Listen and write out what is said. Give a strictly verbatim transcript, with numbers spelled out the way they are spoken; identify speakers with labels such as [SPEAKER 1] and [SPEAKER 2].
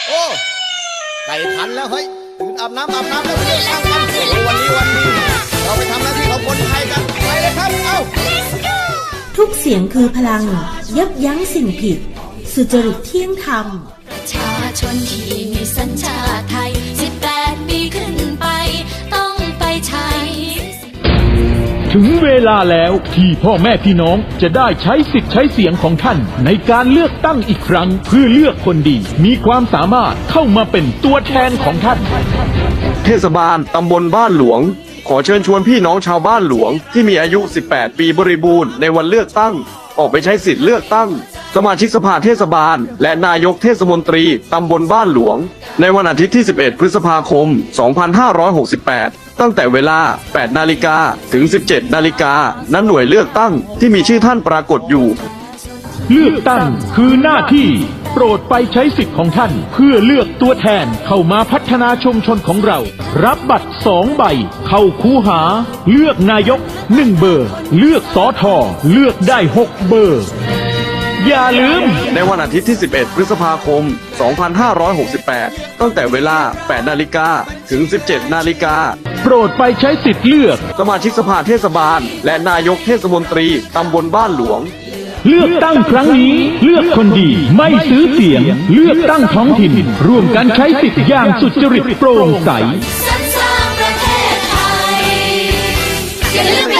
[SPEAKER 1] โอ้ไก่ขันแล้วเฮ้ยตื่นอาบน้ำอาบน้ำแล้วเรื่องทำกันโอ้วันนี้วันนี้เราไปทำหน้าที่ของคนไทยกันไปเลยครับเอ้า
[SPEAKER 2] ทุกเสียงคือพลังยับยั้งสิ่งผิดสุจริตเที่ยงธรรม
[SPEAKER 3] ประชาชนที่มีสัญชาติไทยสิบแปดปีขึ้นไปต้องไปใช้
[SPEAKER 4] ถึงเวลาแล้วที่พ่อแม่พี่น้องจะได้ใช้สิทธิ์ใช้เสียงของท่านในการเลือกตั้งอีกครั้งเพื่อเลือกคนดีมีความสามารถเข้ามาเป็นตัวแทนของท่าน
[SPEAKER 5] เทศบาลตำบลบ้านหลวงขอเชิญชวนพี่น้องชาวบ้านหลวงที่มีอายุสิบแปดปีบริบูรณ์ในวันเลือกตั้งออกไปใช้สิทธิ์เลือกตั้งสมาชิกสภาเทศบาลและนายกเทศมนตรีตำบลบ้านหลวงในวันอาทิตย์ที่สิบเอ็ดพฤษภาคมสองพันห้าร้อยหกสิบแปดตั้งแต่เวลาแปดนาฬิกาถึงสิบเจ็ดนาฬิกาณหน่วยเลือกตั้งที่มีชื่อท่านปรากฏอยู่
[SPEAKER 4] เลือกตั้งคือหน้าที่โปรดไปใช้สิทธิ์ของท่านเพื่อเลือกตัวแทนเข้ามาพัฒนาชุมชนของเรารับบัตรสองใบเข้าคูหาเลือกนายกหนึ่งเบอร์เลือกสอทอเลือกได้หกเบอร์อย่าลืม
[SPEAKER 5] ในวันอาทิตย์ที่สิบเอ็ดพฤษภาคมสองพันห้าร้อยหกสิบแปดตั้งแต่เวลาแปดนาฬิกาถึงสิบเจ็ดนาฬิกา
[SPEAKER 4] โปรดไปใช้สิทธิ์เลือก
[SPEAKER 5] สมาชิกสภาเทศบาลและนายกเทศมนตรีตำบลบ้านหลวง
[SPEAKER 4] เลือกตั้งครั้งนี้เลือกคนดีไม่ซื้อเสียงเลือกตั้งท้องถิ่นร่วมกันใช้สิทธิ์อย่างสุจริตโปร่งใส
[SPEAKER 3] สรรสร้างประเทศไทยอย่าลืม